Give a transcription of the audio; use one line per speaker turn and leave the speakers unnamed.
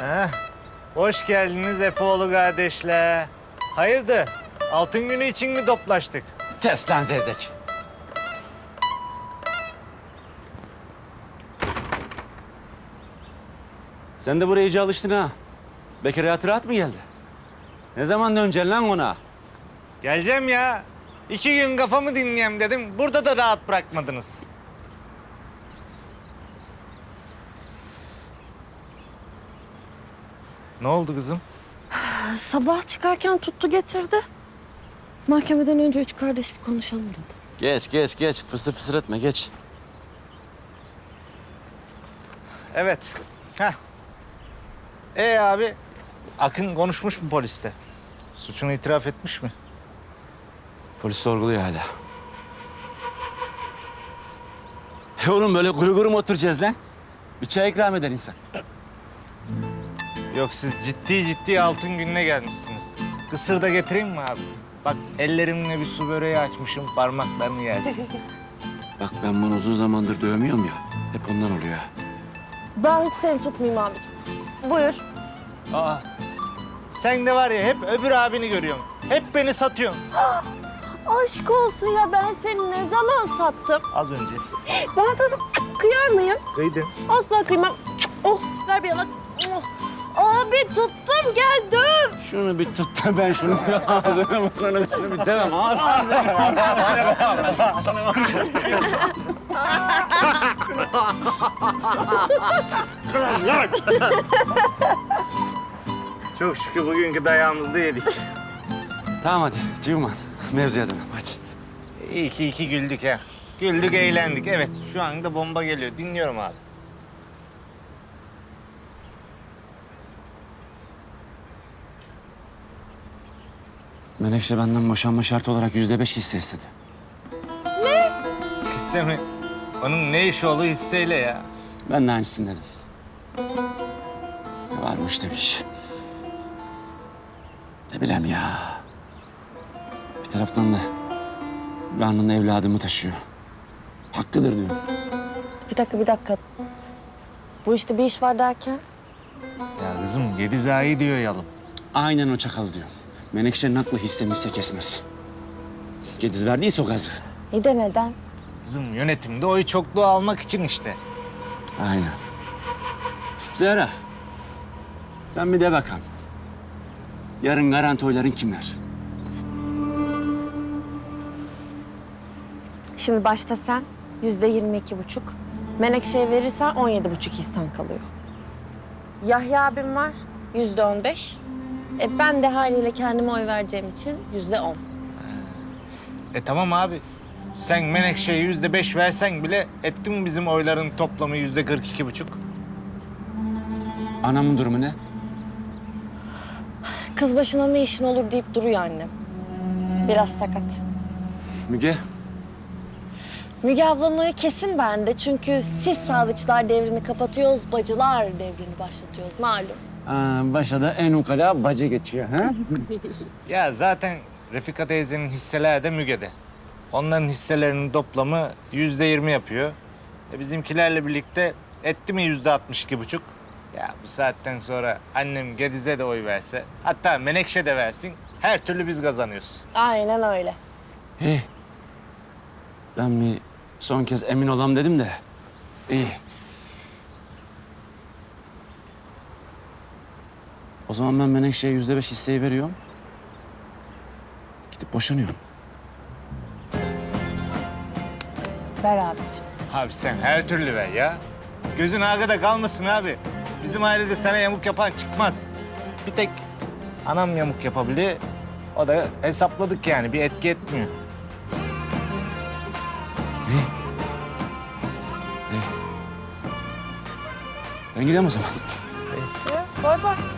Hoş geldiniz Efeoğlu kardeşler. Hayırdır? Altın günü için mi toplaştık?
Kes lan zevzek. Sen de buraya iyice alıştın ha. Bekir hayatı rahat mı geldi? Ne zaman döneceksin lan ona?
Geleceğim ya. 2 gün kafamı dinleyeyim dedim. Burada da rahat bırakmadınız. Ne oldu kızım?
Sabah çıkarken tuttu getirdi. Mahkemeden önce 3 kardeş bir konuşalım dedi.
Geç. Fısır fısır etme, geç.
Evet. Heh. Abi, Akın konuşmuş mu poliste? Suçunu itiraf etmiş mi?
Polis sorguluyor hala. Oğlum böyle kuru kuru mu oturacağız lan? Bir çay ikram eder insan.
Yok, siz ciddi altın gününe gelmişsiniz. Kısır da getireyim mi abi? Bak ellerimle bir su böreği açmışım, parmaklarını yersin.
Bak ben bunu uzun zamandır dövmüyorum ya. Hep ondan oluyor ha.
Ben hiç seni tutmayayım abicim. Buyur.
Aa, sen de var ya hep öbür abini görüyorsun. Hep beni satıyorsun.
Aşk olsun ya, ben seni ne zaman sattım?
Az önce.
Ben sana kıyar mıyım?
Kıydın.
Asla kıymam. Oh, ver bir yalan. Oh. Abi tuttum, gel döv.
Şunu bir tut da ben şunu ağzına burnuna şunu bir demem ağzına.
Çok şükür bugünkü dayağımızda yedik.
Tamam hadi Civman, mevzuya dönelim hadi.
İyi ki iki güldük ha. Güldük, eğlendik. Evet, şu anda bomba geliyor. Dinliyorum abi.
Menekşe benden boşanma şartı olarak %5 hisse istedi.
Hisse mi? Onun ne iş olduğu hisseyle ya.
Ben de aynısını dedim. Varmış demiş. Ne bileyim ya. Bir taraftan da karnında evladımı taşıyor. Hakkıdır diyor.
Bir dakika. Bu işte bir iş var derken?
Ya kızım, Gediza'yı diyor yalım.
Aynen o çakal diyor. Menekşe'nin aklı hisse kesmez. Gediz verdiyse o gazı.
İyi de neden?
Kızım, yönetimde oy çokluğu almak için işte.
Aynen. Zehra, sen bir de bakalım. Yarın garanti oyların kimler?
Şimdi başta sen %22,5. Menekşe'ye verirsen 17,5 hissen kalıyor. Yahya abim var %15. Ben de haliyle kendime oy vereceğim için %10.
Tamam abi. Sen Menekşe'ye %5 versen bile etti mi bizim oyların toplamı %42,5?
Anamın durumu ne?
Kız başına ne işin olur deyip duruyor annem. Biraz sakat.
Müge,
Müge ablanın oyu kesin bende. Çünkü siz Sadıçlar devrini kapatıyoruz, bacılar devrini başlatıyoruz malum.
başa da en ukala bacı geçiyor ha?
Ya zaten Refika teyzenin hisseleri de Müge'de. Onların hisselerinin toplamı %20 yapıyor. Bizimkilerle birlikte etti mi %62,5? Ya bu saatten sonra annem Gediz'e de oy verse, hatta Menekşe de versin, her türlü biz kazanıyoruz.
Aynen öyle.
İyi. Ben bir son kez emin olam dedim de. İyi. O zaman ben Menekşe'ye %5 hisseyi veriyorum. Gidip boşanıyorum.
Ver abicim.
Abi sen her türlü ver ya. Gözün arkada kalmasın abi. Bizim ailede sana yamuk yapan çıkmaz. Bir tek anam yamuk yapabilir. O da hesapladık yani, bir etki etmiyor.
İyi. Ben gideyim o zaman.
Bay bay.